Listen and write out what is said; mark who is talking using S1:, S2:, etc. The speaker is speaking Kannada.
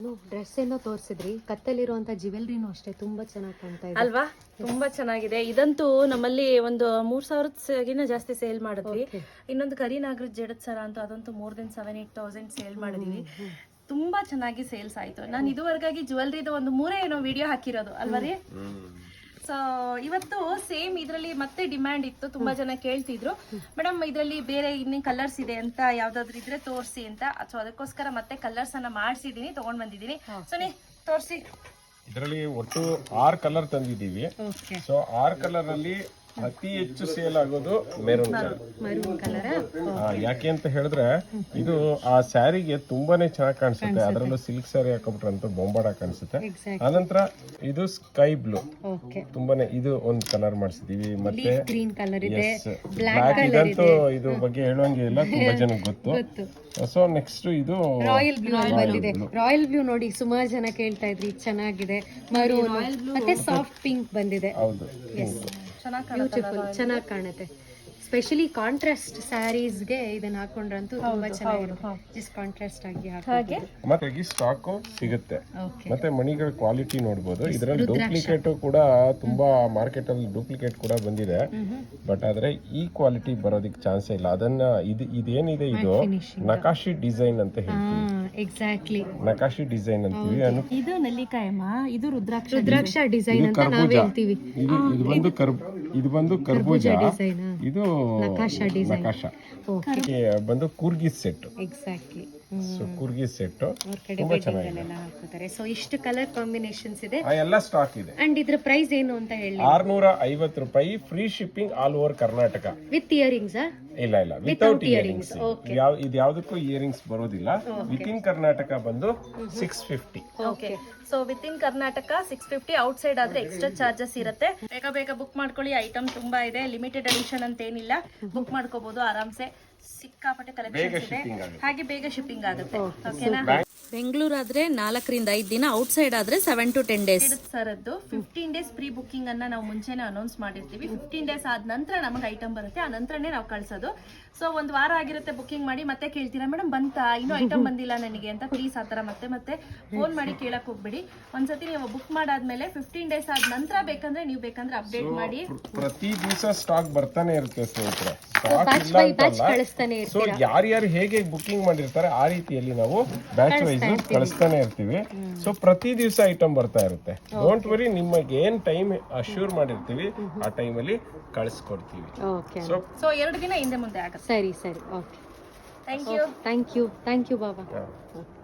S1: ಡ್ರೆಸ್ ಏನೋ ತೋರಿಸಿದ್ರಿ, ಕತ್ತಲ್ಲಿರುವಂತ ಜ್ಯುವೆಲ್ರಿನೂ ಅಷ್ಟೇ ತುಂಬಾ ಚೆನ್ನಾಗಿ ಕಾಣ್ತಾ ಇದೆ
S2: ಅಲ್ವಾ? ತುಂಬಾ ಚೆನ್ನಾಗಿದೆ. ಇದಂತೂ ನಮ್ಮಲ್ಲಿ ಒಂದು 3,000 ಜಾಸ್ತಿ ಸೇಲ್ ಮಾಡಿದ್ವಿ. ಇನ್ನೊಂದು ಕರಿನಾಗರದ ಜಡದ್ ಸರ ಅಂತೂ ಅದಂತೂ ಮೋರ್ ದೆನ್ 7,000-8,000 ಸೇಲ್ ಮಾಡಿದೀವಿ. ತುಂಬಾ ಚೆನ್ನಾಗಿ ಸೇಲ್ಸ್ ಆಯ್ತು. ನಾನು ಇದುವರೆಗಾಗಿ ಜ್ಯುವೆಲ್ರಿದು ಒಂದು 3 ವಿಡಿಯೋ ಹಾಕಿರೋದು ಅಲ್ವಾ ರೀ? ಸೊ ಇವತ್ತು ಸೇಮ್ ಇದರಲ್ಲಿ ಮತ್ತೆ ಡಿಮ್ಯಾಂಡ್ ಇತ್ತು, ತುಂಬಾ ಜನ ಕೇಳ್ತಿದ್ರು ಮೇಡಮ್ ಇದರಲ್ಲಿ ಬೇರೆ ಇನ್ನೇನು ಕಲರ್ಸ್ ಇದೆ ಅಂತ, ಯಾವ್ದಾದ್ರು ಇದ್ರೆ ತೋರಿಸಿ ಅಂತ. ಸೊ ಅದಕ್ಕೋಸ್ಕರ ಮತ್ತೆ ಕಲರ್ಸ್ ಅನ್ನ ಮಾಡಿಸಿದೀನಿ, ತಗೊಂಡ್ ಬಂದಿದ್ದೀನಿ. ಸೊ ನೀ ತೋರಿಸಿ.
S3: ಇದರಲ್ಲಿ ಒಟ್ಟು 6 ಕಲರ್ ತಂದಿದ್ದೀವಿ. ಸೊ 6 ಕಲರ್ ಅಲ್ಲಿ ಅತಿ ಹೆಚ್ಚು ಸೇಲ್ ಆಗೋದು ಮೆರೂನ್ ಕಲರ್. ಯಾಕೆ ಅಂತ ಹೇಳಿದ್ರೆ ಇದು ಆ ಸ್ಯಾರಿಗೆ ತುಂಬಾನೇ ಚೆನ್ನಾಗಿ ಕಾಣಿಸುತ್ತೆ. ಅದರಲ್ಲೂ ಸಿಲ್ಕ್ ಸ್ಯಾರಿ ಹಾಕೊಂಡ್ಬಿಟ್ರೆ ಅಂತ ಬೊಂಬಾಡ ಕಾಣಿಸುತ್ತೆ. ಆನಂತರ ಇದು ಸ್ಕೈ ಬ್ಲೂ, ತುಂಬಾನೇ ಇದು ಒಂದು ಕಲರ್ ಮಾಡಿಸಿದೀವಿ. ಮತ್ತೆ
S1: ಗ್ರೀನ್ ಕಲರ್ ಇದೆ,
S3: ಬ್ಲಾಕ್ ಇದಂತೂ ಇದು ಬಗ್ಗೆ ಹೇಳುವಂಗೆ ಇಲ್ಲ, ತುಂಬಾ ಜನಕ್ಕೆ ಗೊತ್ತು. ಸೊ ನೆಕ್ಸ್ಟ್ ಇದು
S1: ರಾಯಲ್ ಬ್ಲೂ ಬಂದಿದೆ. ರಾಯಲ್ ಬ್ಲೂ ನೋಡಿ ಸುಮಾರು ಜನ ಕೇಳ್ತಾ ಇದ್ರಿ, ಚೆನ್ನಾಗಿದೆ. ಮರೂನ್ ಮತ್ತೆ ಸಾಫ್ಟ್ ಪಿಂಕ್ ಬಂದಿದೆ.
S3: ಹೌದು,
S1: ಬ್ಯೂಟಿಫುಲ್, ಚೆನ್ನಾಗಿ ಕಾಣುತ್ತೆ. ಸ್ಪೆಷಲಿ ಕಾಂಟ್ರಾಸ್ಟ್ ಸ್ಯಾರೀಸ್ಗೆ ಇದನ್ನ ಹಾಕೊಂಡ್ರಂತೂ ತುಂಬಾ ಚೆನ್ನಾಗಿರುತ್ತೆ. ಜಸ್ಟ್ ಕಾಂಟ್ರಾಸ್ಟ್ ಆಗಿ
S2: ಹಾಗೆ
S3: ಮತ್ತೆ ಸ್ಟಾಕ್ ಸಿಗುತ್ತೆ. ಮತ್ತೆ ಮಣಿಗಳ ಕ್ವಾಲಿಟಿ ನೋಡಬಹುದು. ಇದರಲ್ಲಿ ಡೂಪ್ಲಿಕೇಟ್ ಕೂಡ ತುಂಬಾ ಮಾರ್ಕೆಟ್ ಅಲ್ಲಿ ಡೂಪ್ಲಿಕೇಟ್ ಕೂಡ ಬಂದಿದೆ. ಬಟ್ ಆದ್ರೆ ಈ ಕ್ವಾಲಿಟಿ ಬರೋದಕ್ಕೆ ಚಾನ್ಸ್ ಇಲ್ಲ. ಅದನ್ನ ಇದೇನಿದೆ ಇದು ನಕಾಶಿ ಡಿಸೈನ್ ಅಂತ ಹೇಳ್ತೀವಿ.
S1: ಎಕ್ಸಾಕ್ಟ್ಲಿ,
S3: ನಕಾಶಿ ಡಿಸೈನ್ ಅಂತೀವಿ.
S2: ಇದು ನೆಲ್ಲಿಕಾಯಮ್ಮ, ಇದು ರುದ್ರಾಕ್ಷ
S1: ಡಿಸೈನ್ ಅಂತ ನಾವು ಹೇಳ್ತೀವಿ.
S3: ಇದು ಬಂದು ಕರ್ಬೂಜ,
S1: ಡಿಸೈನ್,
S3: ಇದು
S1: ನಕಾಶಾ ಡಿಸೈನ್,
S3: ಬಂದು Coorgi set.
S1: Exactly,
S3: so Coorgi set
S1: ತುಂಬಾ ಚೆನ್ನಾಗಿದೆ. ಹಾಕೋತಾರೆ. ಸೊ ಇಷ್ಟು ಕಲರ್ ಕಾಂಬಿನೇಷನ್ಸ್ ಇದೆ,
S3: ಎಲ್ಲ ಸ್ಟಾಕ್ ಇದೆ.
S1: ಅಂಡ್ ಇದ್ರ ಪ್ರೈಸ್ ಏನು ಅಂತ ಹೇಳಿ
S3: 650 ರೂಪಾಯಿ, free shipping all over Karnataka.
S1: With earrings?
S3: ಇಲ್ಲ, ವಿತೌಟ್ ಇಯರಿಂಗ್ಸ್. ಇದು ಯಾವ್ದಕ್ಕೂ ಇಯರಿಂಗ್ಸ್ ಬರೋದಿಲ್ಲ. ವಿತ್ ಇನ್ ಕರ್ನಾಟಕ ಬಂದು 650.
S2: Okay. So within Karnataka 650, outside ಆದ್ರೆ ಎಕ್ಸ್ಟ್ರಾ ಚಾರ್ಜಸ್ ಇರುತ್ತೆ. ಬೇಗ ಬುಕ್ ಮಾಡ್ಕೊಳ್ಳಿ. ಐಟಮ್ ತುಂಬಾ ಇದೆ, ಲಿಮಿಟೆಡ್ ಎಡಿಷನ್ ಅಂತ ಏನಿಲ್ಲ, ಬುಕ್ ಮಾಡ್ಕೋಬಹುದು ಆರಾಮ್ಸೆ. ಸಿಕ್ಕಾಪಟ್ಟೆ ಕಲೆಕ್ಷನ್ಸ್ ಇದೆ, ಹಾಗೆ ಬೇಗ ಶಿಪ್ಪಿಂಗ್ ಆಗುತ್ತೆ. ಓಕೆನಾ? ಬೆಂಗಳೂರು ಆದ್ರೆ 4 ರಿಂದ 5 ದಿನ, ಔಟ್ಸೈಡ್ ಆದ್ರೆ 7 to 10 days. ಸರದ್ದು 15 days ಪ್ರೀ ಬುಕಿಂಗ್ ಅನ್ನ ನಾವು ಮುಂಚೆನೆ ಅನೌನ್ಸ್ ಮಾಡಿರ್ತೀವಿ. 15 days ಆದ ನಂತರ ನಮಗೆ ಐಟಮ್ ಬರುತ್ತೆ, ಆ ನಂತರನೇ ನಾವು ಕಳ್ಸೋದು. ಸೊ ಒಂದು ವಾರ ಆಗಿರುತ್ತೆ ಬುಕಿಂಗ್ ಮಾಡಿ, ಮತ್ತೆ ಕೇಳ್ತೀರಾ ಮೇಡಮ್ ಬಂತಾ, ಇನ್ನೂ ಐಟಮ್ ಬಂದಿಲ್ಲ ನನಗೆ ಅಂತ. ಪ್ಲೀಸ್ ಆ ಥರ ಮತ್ತೆ ಫೋನ್ ಮಾಡಿ ಕೇಳಕ್ ಹೋಗ್ಬೇಡಿ. ಒಂದ್ಸತಿ ನೀವು ಬುಕ್ ಮಾಡಾದ್ಮೇಲೆ 15 days ಆದ ನಂತರ ನೀವು ಬೇಕಂದ್ರೆ ಅಪ್ಡೇಟ್ ಮಾಡಿ.
S3: ಪ್ರತಿ ದಿವಸ ಸ್ಟಾಕ್ ಬರ್ತಾನೆ ಇರುತ್ತೆ ಸ್ನೇಹಿತರೆ. ಸೊ ಯಾರ್ಯಾರು ಹೇಗೆ ಬುಕಿಂಗ್ ಮಾಡಿರ್ತಾರೆ ಆ ರೀತಿಯಲ್ಲಿ ನಾವು ಬ್ಯಾಚ್ ವೈಸ್ ಕಳಿಸ್ತಾನೆ ಇರ್ತೀವಿ. ಸೊ ಪ್ರತಿ ದಿವಸ ಐಟಮ್ ಬರ್ತಾ ಇರುತ್ತೆ. ಡೋಂಟ್ ವರಿ, ನಿಮಗೆ ಏನ್ ಟೈಮ್ ಅಶ್ಯೂರ್ ಮಾಡಿರ್ತೀವಿ ಆ ಟೈಮಲ್ಲಿ ಕಳಿಸ್ಕೊಡ್ತೀವಿ.
S2: ಸೊ 2 ದಿನ ಹಿಂದೆ ಮುಂದೆ ಆಗುತ್ತೆ.
S1: ಸರಿ, ಓಕೆ.
S2: Thank you
S1: Baba.